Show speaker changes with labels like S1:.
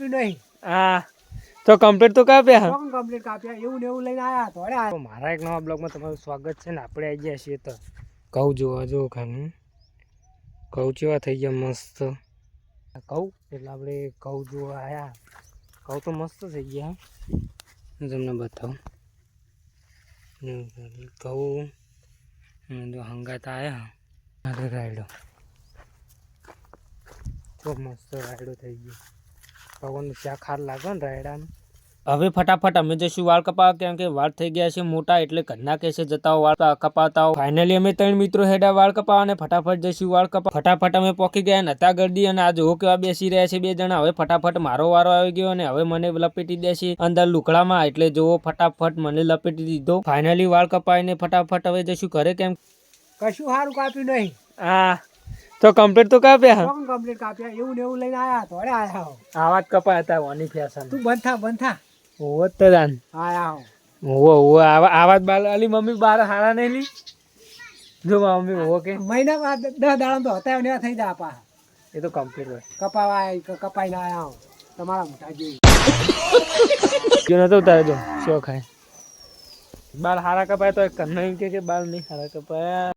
S1: નહીં
S2: હા તો કમ્પ્લીટ તો કાપ્યા
S1: કમ્પ્લીટ કાપ્યા એવું ને એવું લઈને આયા તો
S2: મારા એક નવા બ્લોગમાં તમારું સ્વાગત છે ને આપણે આવી ગયા છીએ તો ઘઉં જોવા જો ખાનું ઘઉં કેવા થઈ ગયા મસ્ત ઘઉં એટલે આપણે ઘઉં જોવા આવ્યા ઘઉં તો મસ્ત થઈ ગયા હું તમને બતાવું ઘઉં જો હંગાતા આવ્યા અરે રાયડો ખૂબ મસ્ત રાયડો થઈ ગયો ભગવાનનું ચા ખાર લાગે ને રાયડાનું હવે ફટાફટ અમે જઈશું વાળ કપાવવા કેમ કે વાળ થઈ ગયા છે મોટા એટલે ઘરના કેસે જતા વાળ કપાવતા ફાઇનલી અમે 3 મિત્રો હેડા વાળ કપાવવા અને ફટાફટ જઈશું વાળ કપાવવા ફટાફટ અમે પોકી ગયા નતા ગરદી અને આ જો કેવા બેસી રહ્યા છે બે જણા હવે ફટાફટ મારો વારો આવી ગયો અને હવે મને લપેટી દેશે અંદર લુકડામાં એટલે જો ફટાફટ મને લપેટી દીધો ફાઇનલી વાળ કપાવીને ફટાફટ હવે જઈશું ઘરે કેમ
S1: કશું સારું કાપ્યું નહીં
S2: હા તો કમ્પ્લીટ તો કાપ્યા
S1: કમ્પ્લીટ કાપ્યા એવું ને એવું લઈને આયા તો આયા
S2: આવાજ કપાયા હતા વાની ફેશન
S1: તું બંધ થા
S2: ઓવો તદાન
S1: આયા
S2: ઓવો આવાજ બાલ અલી મમ્મી બાર હારા નહીં લી જો મમ્મી ઓવો કે
S1: મહિના 10 દાડા તો હતા ને થઈ જા પા
S2: એ તો કમ્પ્લીટ હોય
S1: કપાઈને આયા તમારા મોટા જોઈ
S2: જો નતો ઉતારે જો શો ખાય બાલ હારા કપાય તો એક કન્ના કે બાલ નહીં હારા કપાયા